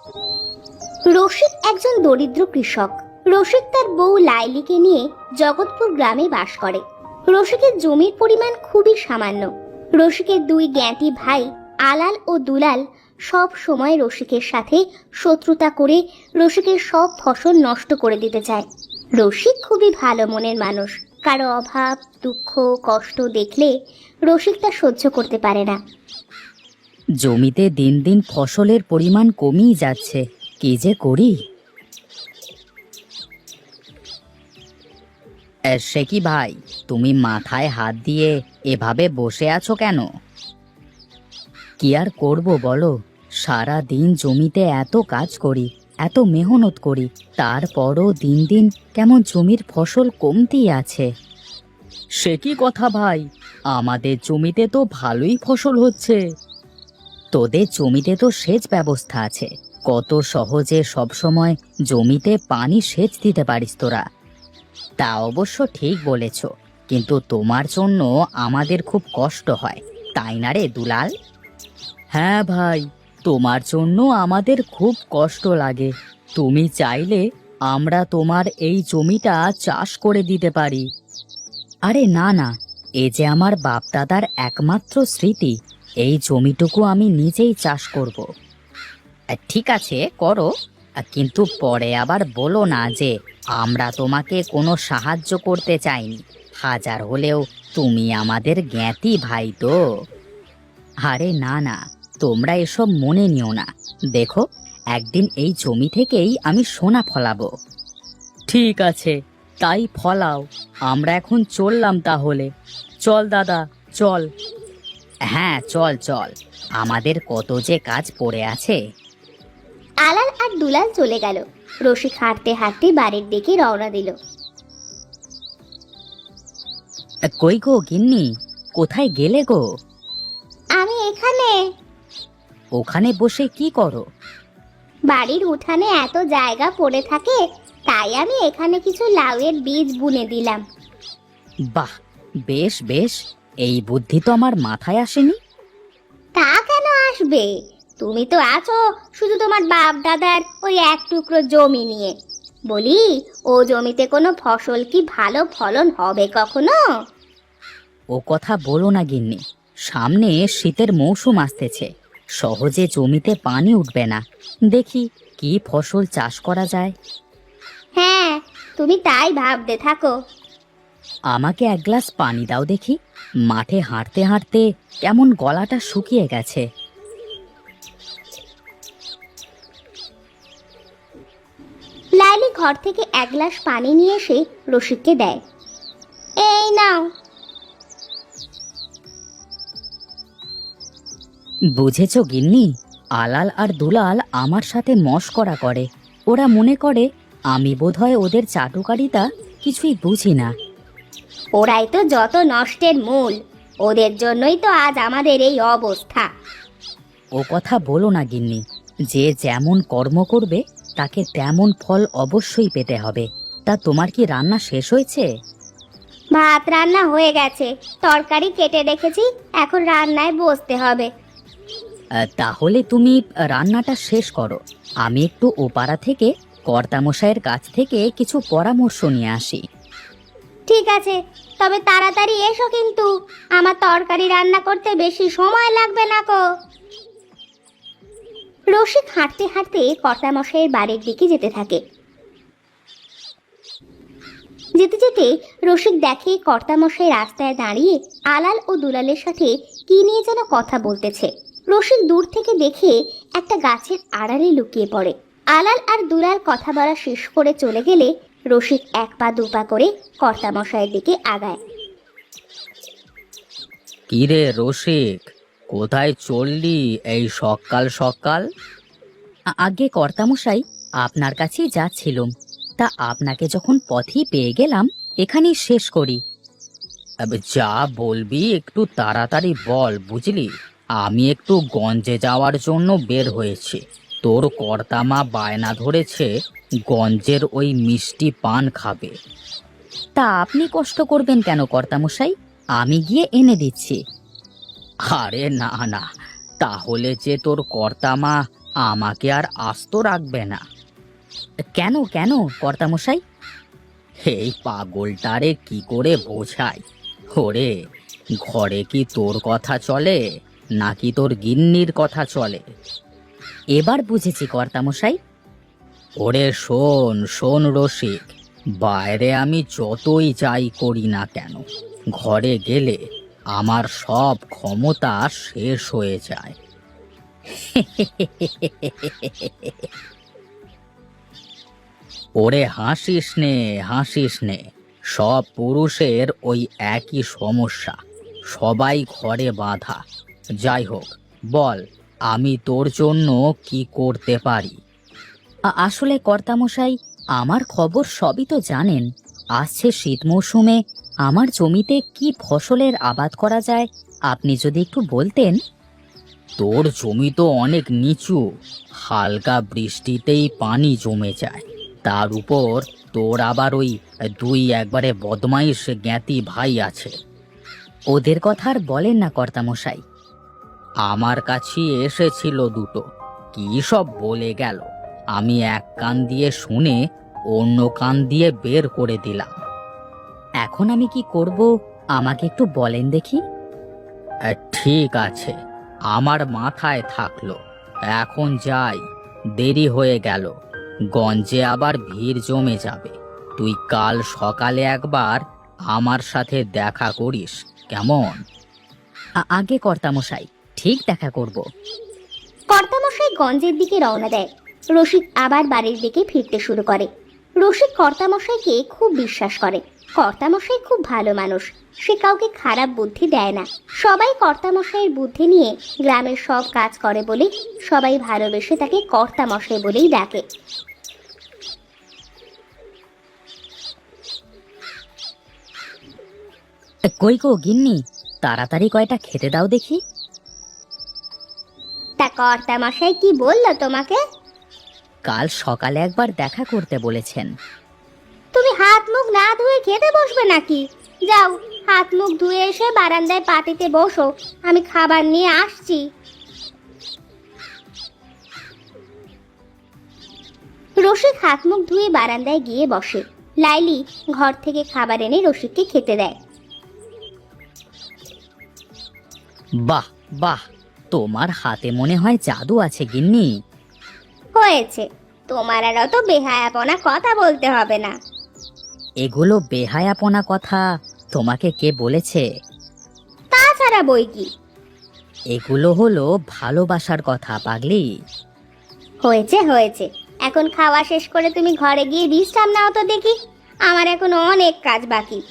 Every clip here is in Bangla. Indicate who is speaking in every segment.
Speaker 1: রসিক একজন দরিদ্র কৃষক। রসিক তার বউ লাইলিকে নিয়ে জগৎপুর গ্রামে বাস করে। রসিকের জমির পরিমাণ খুবই সামান্য। রসিকের দুই জ্ঞাতি ভাই আলাল ও দুলাল সব সময় রসিকের সাথে শত্রুতা করে রসিকের সব ফসল নষ্ট করে দিতে চায়। রসিক খুবই ভালো মনের মানুষ। কারো অভাব, দুঃখ, কষ্ট দেখলে রসিক তা সহ্য করতে পারে না।
Speaker 2: জমিতে দিন দিন ফসলের পরিমাণ কমেই যাচ্ছে, কি যে করি। সে কি ভাই, তুমি মাথায় হাত দিয়ে এভাবে বসে আছো কেন? কি আর করব বলো, সারা দিন জমিতে এত কাজ করি, এত মেহনত করি, তারপরও দিন দিন কেমন জমির ফসল কমতেই আছে। সে কি কথা ভাই, আমাদের জমিতে তো ভালোই ফসল হচ্ছে। তোদের জমিতে তো সেচ ব্যবস্থা আছে, কত সহজে সবসময় জমিতে পানি সেচ দিতে পারিস তোরা। তা অবশ্য ঠিক বলেছ, কিন্তু তোমার জন্য আমাদের খুব কষ্ট হয়, তাই না রে দুলাল? হ্যাঁ ভাই, তোমার জন্য আমাদের খুব কষ্ট লাগে। তুমি চাইলে আমরা তোমার এই জমিটা চাষ করে দিতে পারি। আরে না না, এ যে আমার বাপ দাদার একমাত্র স্মৃতি, এই জমিটুকু আমি নিজেই চাষ করব। ঠিক আছে করো, কিন্তু পরে আবার বলো না যে আমরা তোমাকে কোনো সাহায্য করতে চাইনি। হাজার হলেও তুমি আমাদের জ্ঞাতি ভাই তো। আরে না না, তোমরা এসব মনে নিও না। দেখো, একদিন এই জমি থেকেই আমি সোনা ফলাবো। ঠিক আছে, তাই ফলাও। আমরা এখন চললাম তাহলে। চল দাদা, চল। হ্যাঁ চল চল, আমাদের কত যে কাজ পড়ে আছে।
Speaker 1: আলাল আর দুলাল চলে গেল। রসিক হাঁটতে হাঁটতে বাড়ির দিকে রওনা দিল।
Speaker 2: কই গো গিন্নি, কোথায় গেলে গো?
Speaker 1: আমি এখানে।
Speaker 2: ওখানে বসে কি করো?
Speaker 1: বাড়ির উঠানে এত জায়গা পড়ে থাকে, তাই আমি এখানে কিছু লাউয়ের বীজ বুনে দিলাম।
Speaker 2: বাহ, বেশ বেশ, এই বুদ্ধি তো আমার মাথায় আসেনি।
Speaker 1: তা কেন আসবে? তুমি তো আছো শুধু তোমার বাপ দাদার ওই এক টুকরো জমি নিয়ে। বলি, ও জমিতে কোনো ফসল কি ভালো ফলন হবে কখনো?
Speaker 2: ও কথা বলো না গিন্নি, সামনে শীতের মৌসুম আসতেছে, সহজে জমিতে পানি উঠবে না। দেখি কি ফসল চাষ করা যায়।
Speaker 1: হ্যাঁ, তুমি তাই ভাবতে থাকো।
Speaker 2: আমাকে এক গ্লাস পানি দাও দেখি, মাঠে হাঁটতে হাঁটতে কেমন গলাটা শুকিয়ে গেছে।
Speaker 1: লাইলি ঘর থেকে এক গ্লাস পানি নিয়ে এসে রসিককে দেয়। এই নাও।
Speaker 2: বুঝেছো গিন্নি, আলাল আর দুলাল আমার সাথে মশকরা করে। ওরা মনে করে আমি বোধহয় ওদের চাটুকারিতা কিছুই বুঝি না।
Speaker 1: ওরাই তো যত নষ্টের মূল। ওদের জন্যই তো আজ আমাদের এই অবস্থা।
Speaker 2: ও কথা বলো না গিন্নি, যে যেমন কর্ম করবে তাকে তেমন ফল অবশ্যই পেতে হবে। তা তোমার কি রান্না শেষ হয়েছে?
Speaker 1: ভাত রান্না হয়ে গেছে, তরকারি কেটে রেখেছি, এখন রান্নায় বসতে হবে।
Speaker 2: তাহলে তুমি রান্নাটা শেষ করো, আমি একটু ওপাড়া থেকে কর্তামশাইয়ের কাছ থেকে কিছু পরামর্শ নিয়ে আসি।
Speaker 1: ঠিক আছে, তবে তাড়াতাড়ি এসো কিন্তু, আমার তরকারি রান্না করতে বেশি সময় লাগবে না কো। রসিক হাঁটতে হাঁটতে কর্তামশাইয়ের বাড়ির দিকে যেতে থাকে। যেতে যেতে রসিক দেখে কর্তামশাই রাস্তায় দাঁড়িয়ে আলাল ও দুলালের সাথে কি নিয়ে যেন কথা বলতেছে। রসিক দূর থেকে দেখে একটা গাছের আড়ালে লুকিয়ে পড়ে। আলাল আর দুলাল কথা বলা শেষ করে চলে গেলে রসিক এক পা দুপা করে কর্তামশাইয়ের দিকে আগায়।
Speaker 2: কি রে রসিক, কোথায় চললি এই সকাল সকাল? আগে কর্তামশাই, আপনার কাছেই যাচ্ছিলুম, তা আপনাকে যখন পথই পেয়ে গেলাম, এখানেই শেষ করি। যা বলবি একটু তাড়াতাড়ি বল বুঝলি, আমি একটু গঞ্জে যাওয়ার জন্য বের হয়েছি। তোর কর্তামা বায়না ধরেছে গঞ্জের ওই মিষ্টি পান খাবে। তা আপনি কষ্ট করবেন কেন কর্তামশাই, আমি গিয়ে এনে দিচ্ছি। আরে না না, তাহলে যে তোর কর্তামা আমাকে আর আস্ত রাখবে না। কেন কেন কর্তামশাই? এই পাগলটারে কি করে বোঝাই? ওরে, ঘরে কি তোর কথা চলে নাকি তোর গিন্নির কথা চলে? এবার বুঝেছি কর্তামশাই। ওরে শোন শোন রসিক, বাইরে আমি যতই যাই করি না কেন, ঘরে গেলে আমার সব ক্ষমতা শেষ হয়ে যায়। ওরে হাসিস নে, হাসিস নে। সব পুরুষের ওই একই সমস্যা, সবাই ঘরে বাঁধা। যাই হোক, বল আমি তোর জন্য কি করতে পারি? আসলে কর্তামশাই, আমার খবর সবই তো জানেন। আসছে শীত মৌসুমে আমার জমিতে কি ফসলের আবাদ করা যায়, আপনি যদি একটু বলতেন। তোর জমি তো অনেক নিচু, হালকা বৃষ্টিতেই পানি জমে যায়। তার উপর তোর আবার ওই দুই একবারে বদমাইশ জ্ঞাতি ভাই আছে। ওদের কথা আর বলেন না কর্তামশাই। আমার কাছে এসেছিল দুটো, কি সব বলে গেল। আমি এক কান দিয়ে শুনে অন্য কান দিয়ে বের করে দিলাম। এখন আমি কি করব, আমাকে একটু বলেন দেখি। ঠিক আছে, আমার মাথায় থাকলো। এখন যাই, দেরি হয়ে গেল। গঞ্জে আবার ভিড় জমে যাবে। তুই কাল সকালে একবার আমার সাথে দেখা করিস, কেমন? আগে কর্তামশাই, ঠিক দেখা করব।
Speaker 1: কর্তামশাই গঞ্জের দিকে রওনা দেয়। রসিক আবার বাড়ির দিকে ফিরতে শুরু করে। রসিক কর্তামশাইকে খুব বিশ্বাস করে। কর্তামশাই খুব ভালো মানুষ, সে কাউকে খারাপ বুদ্ধি দেয় না। সবাই কর্তামশাইয়ের বুদ্ধি নিয়ে গ্রামের সব কাজ করে বলে সবাই ভালোবেসে তাকে কর্তামশাই বলেই ডাকে।
Speaker 2: কই গো গিন্নি, তাড়াতাড়ি কয়টা খেতে দাও দেখি।
Speaker 1: তা কর্তামশাই কি বললো তোমাকে?
Speaker 2: কাল সকালে একবার দেখা করতে বলেছেন।
Speaker 1: তুমি হাত মুখ না ধুয়ে খেতে বসবে নাকি? যাও, হাত মুখ ধুয়ে এসে বারান্দায় পাটিতে বসো, আমি খাবার নিয়ে আসছি। রসিক হাত মুখ ধুয়ে বারান্দায় গিয়ে বসে। লাইলি ঘর থেকে খাবার এনে রসিককে খেতে দেয়।
Speaker 2: বাহ বাহ, তোমার হাতে মনে হয় জাদু আছে গিন্নি।
Speaker 1: হয়েছে, তোমার আর অত বেহায়াপনা কথা বলতে হবে না।
Speaker 2: এগুলো বেহায়াপনা কথা তোমাকে কে বলেছে?
Speaker 1: তাছাড়া বই কি?
Speaker 2: এগুলো হলো ভালোবাসার কথা পাগলি।
Speaker 1: হয়েছে হয়েছে, এখন খাওয়া শেষ করে তুমি ঘরে গিয়ে বিশ্রাম নাও তো দেখি, আমার এখন অনেক কাজ বাকি।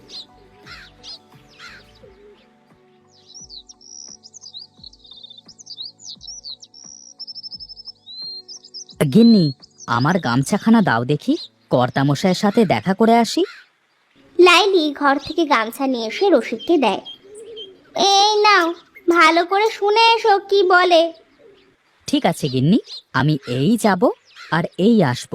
Speaker 2: গিন্নি, আমার গামছাখানা দাও দেখি, কর্তামশাইয়ের সাথে দেখা করে আসি।
Speaker 1: লাইলি ঘর থেকে গামছা নিয়ে এসে রসিককে দেয়। এই নাও, ভালো করে শুনে এসো কি বলে।
Speaker 2: ঠিক আছে গিন্নি, আমি এই যাব আর এই আসব।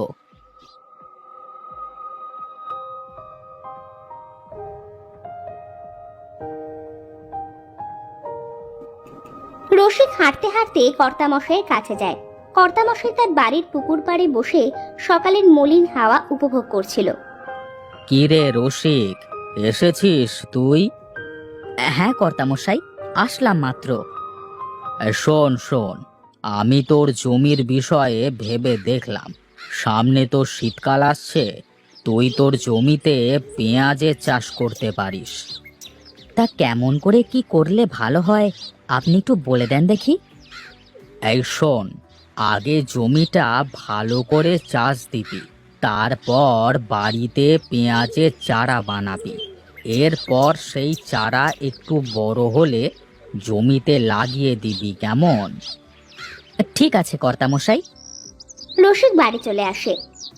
Speaker 1: রসিক হাঁটতে হাঁটতে কর্তামশাইয়ের কাছে যায়। কর্তামশাই তার বাড়ির পুকুর পাড়ে বসে সকালের মলিন হাওয়া উপভোগ করছিল।
Speaker 2: কি রে রসিক, এসেছিস তুই? হ্যাঁ কর্তামশাই, আসলাম মাত্র। শোন শোন, আমি তোর জমির বিষয়ে ভেবে দেখলাম। সামনে তো শীতকাল আসছে, তুই তোর জমিতে পেঁয়াজের চাষ করতে পারিস। তা কেমন করে কি করলে ভালো হয়, আপনি একটু বলে দেন দেখি। এই শোন, আগে জমিটা ভালো করে চাষ দিবি, তারপর বাড়িতে পেঁয়াজের চারা বানাবি। এরপর সেই চারা একটু বড় হলে জমিতে লাগিয়ে দিবি, কেমন? ঠিক আছে কর্তামশাই।
Speaker 1: রসিক বাড়ি চলে আসে।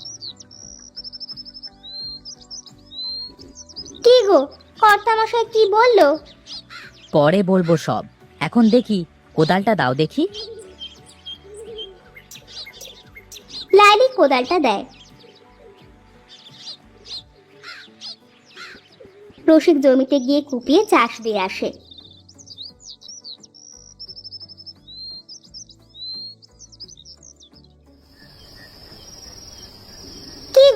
Speaker 1: কি গো, কর্তামশাই কি বললো?
Speaker 2: পরে বলবো সব, এখন দেখি কোদালটা দাও দেখি।
Speaker 1: লাইলি কোদালটা দেয়। রসিক জমিতে গিয়ে কুপিয়ে চাষ দিয়ে আসে।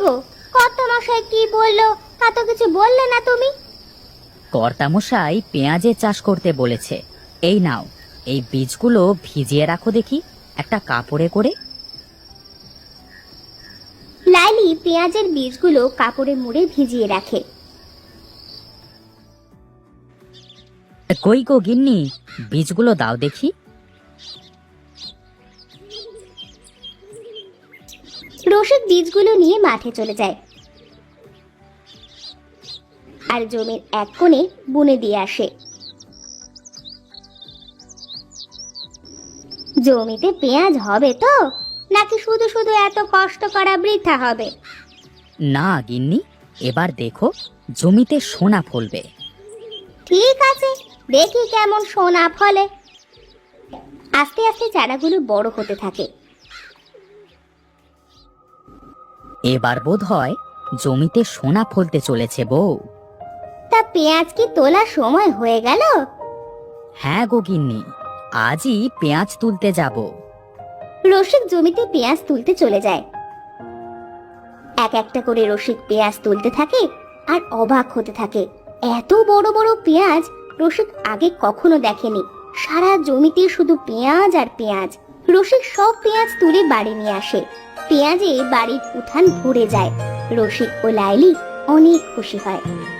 Speaker 1: গো, কর্তামশাই কি বললো তা তো কিছু বললে না তুমি।
Speaker 2: কর্তামশাই পেঁয়াজের চাষ করতে বলেছে। এই নাও, এই বীজগুলো ভিজিয়ে রাখো দেখি একটা কাপড়ে করে।
Speaker 1: লাইলি পেঁয়াজের বীজগুলো কাপড়ে মুড়ে ভিজিয়ে রাখে।
Speaker 2: কই গো গিন্নি, বীজগুলো দাও দেখি।
Speaker 1: রসিক বীজগুলো নিয়ে মাঠে চলে যায় আর জমির এক কোণে বুনে দিয়ে আসে। জমিতে পেঁয়াজ হবে তো, নাকি শুধু শুধু এত কষ্ট করা বৃথা হবে?
Speaker 2: না গিন্নি, এবার দেখো জমিতে সোনা ফলবে।
Speaker 1: ঠিক আছে, দেখি কেমন সোনা ফলে। আস্তে আস্তে চারাগুলো বড় হতে থাকে।
Speaker 2: এবার বোধ হয় জমিতে সোনা ফলতে চলেছে বউ।
Speaker 1: তা পেঁয়াজ কি তোলার সময় হয়ে গেল?
Speaker 2: হ্যাঁ গো গিন্নি, আজই পেঁয়াজ তুলতে যাব।
Speaker 1: রসিক জমিতে পেঁয়াজ তুলতে চলে যায়। এক একটা করে রসিক পেঁয়াজ তুলতে থাকে আর অবাক হতে থাকে। এত বড় বড় পেঁয়াজ রসিক আগে কখনো দেখেনি। সারা জমিতে শুধু পেঁয়াজ আর পেঁয়াজ। রসিক সব পেঁয়াজ তুলে বাড়ি নিয়ে আসে। পেঁয়াজে বাড়ির উঠান ভরে যায়। রসিক ও লাইলি অনেক খুশি হয়।